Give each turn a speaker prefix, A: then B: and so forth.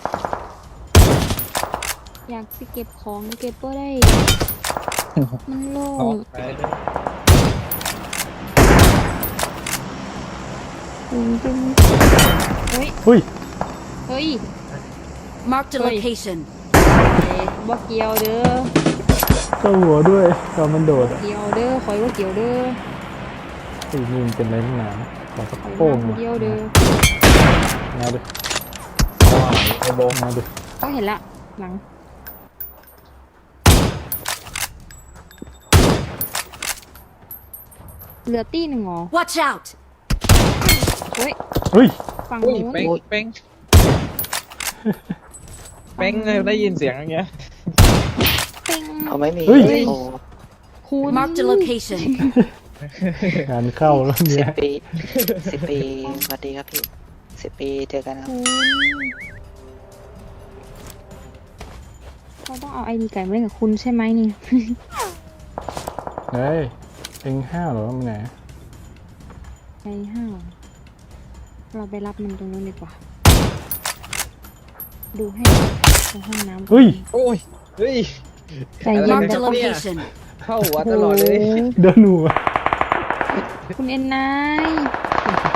A: อยากสิเก็บของเก็บก็ได้ มันโล่
B: เอา
A: ง
B: ไปเลย
A: จริงเฮ้ย
C: อุ้ย
A: เฮ้ย
D: Marked a
A: Oi.
D: location.
A: บ่เกี่ยวเด้อ
C: เข้าหัวด้วยตอนมันโดด
A: เกี่ยวเด้อคอยว่าเกี่ยวเด้อ
C: ไอ้นี่มันเป็นอะไรนักหนาขอสัก
A: คอย
C: โป้ง
A: มา
C: มา
A: เกี่ยวเด้อ
C: มาดิ
B: เอาอ่ะไอ้โบง
C: มาดิ
A: ก็เห็นละหลังเหลือตี้หนึ่งเหรอ
D: Watch out!
A: เฮ้ย
C: เฮ้ย
A: ฝั่ง
B: อุ้ย
A: นู้น
B: เป้งเป้งเป้งเลยได้ยินเสียงอย่างเงี้ย
A: ปิง
E: เอาไม่มี
C: เฮ้ย
E: โอ้
A: คุณ
D: Marked a location.
C: งานเข้าแล้ว
E: สิ
C: เนี่
E: บ
C: ย
E: ปี10 ปีสวัสดีครับพี่10 ปีเจอกันครับ
A: คุณเขาต้องเอาไอดีไก่มาเล่นกับคุณใช่ไหมนี่
C: เฮ้ยเอ็งห้าวเหรอมันไหน
A: ไอห้าวเราไปรับมันตรงนู้นดีกว่า ดูให้ตรงห้องน้ำ
C: เฮ้ย
B: โอ้ยเฮ้ย
A: ใจเย็น
D: Marked
A: แบ
D: a
A: บ
D: location.
B: เข้าหัวตลอดเลย
C: เดินหนูอะ
A: คุณเอ็นนาย